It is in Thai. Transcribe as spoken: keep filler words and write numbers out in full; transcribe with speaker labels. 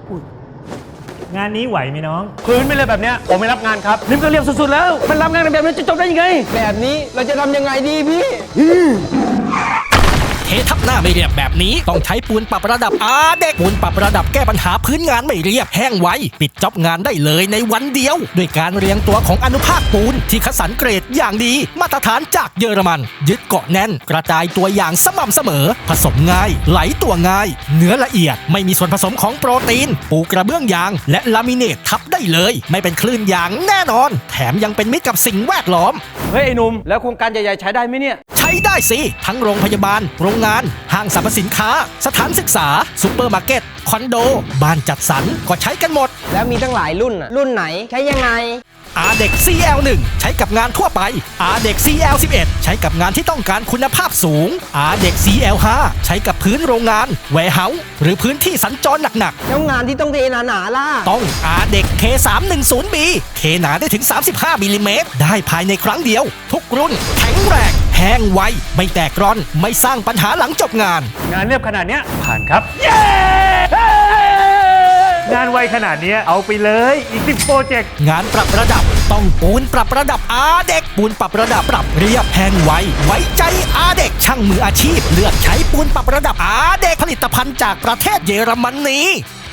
Speaker 1: งานนี้ไหวไหมน้อง
Speaker 2: พื้นไม่เลยแบบเนี้ยผมไม่รับงานครับ
Speaker 3: ริมก็เรียบสุดๆแล้วมันรับงานแบบนี้จะจบได้ยังไงแบบนี้เราจะทำยังไงดีพี่
Speaker 4: เททับหน้าไม่เรียบแบบนี้ต้องใช้ปูนปรับระดับอาเด็กปูนปรับระดับแก้ปัญหาพื้นงานไม่เรียบแห้งไวปิดจ็อบงานได้เลยในวันเดียวด้วยการเรียงตัวของอนุภาคปูนที่คัดสรรเกรดอย่างดีมาตรฐานจากเยอรมันยึดเกาะแน่นกระจายตัวอย่างสม่ำเสมอผสมง่ายไหลตัวง่ายเนื้อละเอียดไม่มีส่วนผสมของโปรตีนปูกระเบื้องยางและลามิเนตทับได้เลยไม่เป็นคลื่นยางแน่นอนแถมยังเป็นมิตรกับสิ่งแวดล้อม
Speaker 3: เฮ้ยไอ้หนุ่มแล้วโครงการใหญ่ๆใช้ได้ไหมเนี่ย
Speaker 4: ใช้ได้สิทั้งโรงพยาบาลโรงงานห้างสรรพสินค้าสถานศึกษาซุปเปอร์มาร์เก็ตคอนโดบ้านจัดสรรก็ใช้กันหมด
Speaker 5: แล้วมีตั้งหลายรุ่นอะรุ่นไหนใช้ยังไง
Speaker 4: อาเด็ก ซี แอล หนึ่ง ใช้กับงานทั่วไป อาเด็ก ซี แอล สิบเอ็ด ใช้กับงานที่ต้องการคุณภาพสูง อาเด็ก ซี แอล ห้า ใช้กับพื้นโรงงานแวร์เฮาส์หรือพื้นที่สัญจรหนักๆ
Speaker 5: แล้วงานที่ต้องเทหนาๆล่ะ
Speaker 4: ต้องอาเด็ก เค สามหนึ่งศูนย์ บี เทหนาได้ถึงสามสิบห้ามิลลิเมตรได้ภายในครั้งเดียวทุกรุ่นแข็งแรงแห้งไวไม่แตกร่อนไม่สร้างปัญหาหลังจบงาน
Speaker 2: งานเรียบขนาดเนี้ยผ่านครับ
Speaker 1: เย้ งานไวขนาดนี้เอาไปเลยอีกสิบโปรเจกต์
Speaker 4: งานปรับระดับต้องปูนปรับระดับอาเด็กปูนปรับระดับปรับเรียบแห้งไวไว้ใจอาเด็กช่างมืออาชีพเลือกใช้ปูนปรับระดับอาเด็กผลิตภัณฑ์จากประเทศเยอรมนี